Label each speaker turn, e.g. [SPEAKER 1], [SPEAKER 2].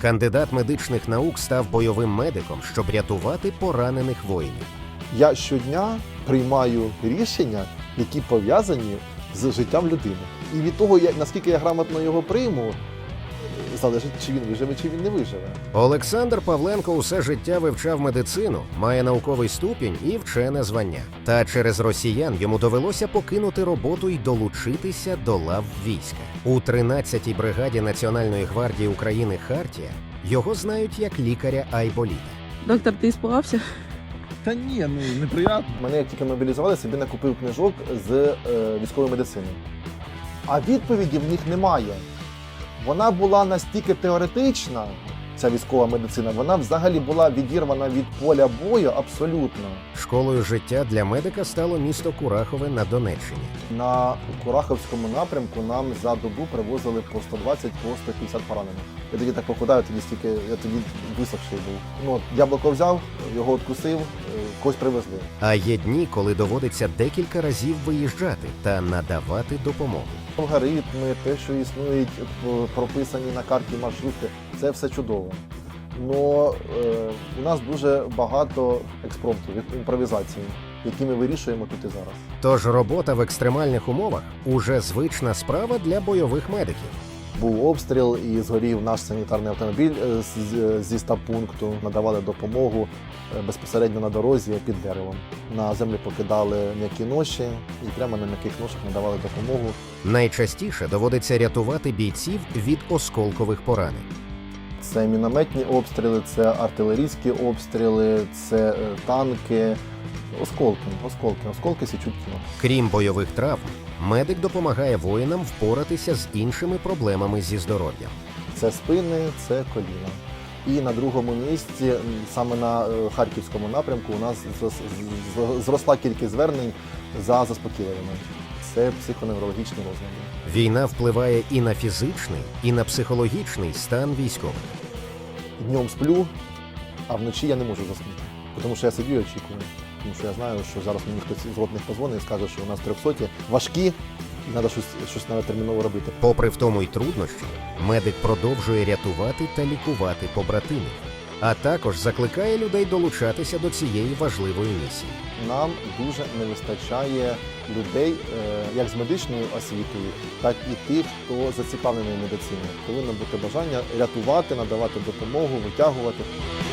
[SPEAKER 1] Кандидат медичних наук став бойовим медиком, щоб рятувати поранених воїнів.
[SPEAKER 2] Я щодня приймаю рішення, які пов'язані з життям людини. І від того, наскільки я грамотно його прийму, залежить, чи він виживе, чи він не виживе.
[SPEAKER 1] Олександр Павленко усе життя вивчав медицину, має науковий ступінь і вчене звання. Та через росіян йому довелося покинути роботу і долучитися до лав війська. У 13-й бригаді Національної гвардії України «Хартія» його знають як лікаря Айболіта.
[SPEAKER 3] Доктор, ти іспугався?
[SPEAKER 4] Та ні, неприємно.
[SPEAKER 2] Мене як тільки мобілізували, собі накупив книжок з військової медицини. А відповіді в них немає. Вона була настільки теоретична, ця військова медицина, вона взагалі була відірвана від поля бою абсолютно.
[SPEAKER 1] Школою життя для медика стало місто Курахове на Донеччині.
[SPEAKER 2] На Кураховському напрямку нам за добу привозили по 120, по 150 поранених. Я тоді так похудаю, я тоді висохший був. Ну, яблуко взяв, його откусив, когось привезли.
[SPEAKER 1] А є дні, коли доводиться декілька разів виїжджати та надавати допомогу.
[SPEAKER 2] Алгоритми, те, що існують прописані на карті маршрути, це все чудово. Но у нас дуже багато експромтів, імпровізації, які ми вирішуємо тут і зараз.
[SPEAKER 1] Тож робота в екстремальних умовах – уже звична справа для бойових медиків.
[SPEAKER 2] Був обстріл і згорів наш санітарний автомобіль зі стаб-пункту. Надавали допомогу безпосередньо на дорозі під деревом. На землю покидали м'які ноші і прямо на м'яких ношах надавали допомогу.
[SPEAKER 1] Найчастіше доводиться рятувати бійців від осколкових поранень.
[SPEAKER 2] Це мінометні обстріли, це артилерійські обстріли, це танки. Осколки січуть кіно.
[SPEAKER 1] Крім бойових травм, медик допомагає воїнам впоратися з іншими проблемами зі здоров'ям.
[SPEAKER 2] Це спини, це коліна. І на другому місці, саме на Харківському напрямку, у нас зросла кількість звернень за заспокійливими. Це психоневрологічні розлади.
[SPEAKER 1] Війна впливає і на фізичний, і на психологічний стан військових.
[SPEAKER 2] Днем сплю, а вночі я не можу заснути. Тому що я сидю і очікую. Тому що я знаю, що зараз мені хтось з ротних позвонить і скаже, що у нас 300 важкі, і треба щось навіть терміново робити.
[SPEAKER 1] Попри втому й труднощі, медик продовжує рятувати та лікувати побратимів, а також закликає людей долучатися до цієї важливої місії.
[SPEAKER 2] Нам дуже не вистачає людей як з медичною освітою, так і тих, хто зацікавлений в медицині. Повинно бути бажання рятувати, надавати допомогу, витягувати.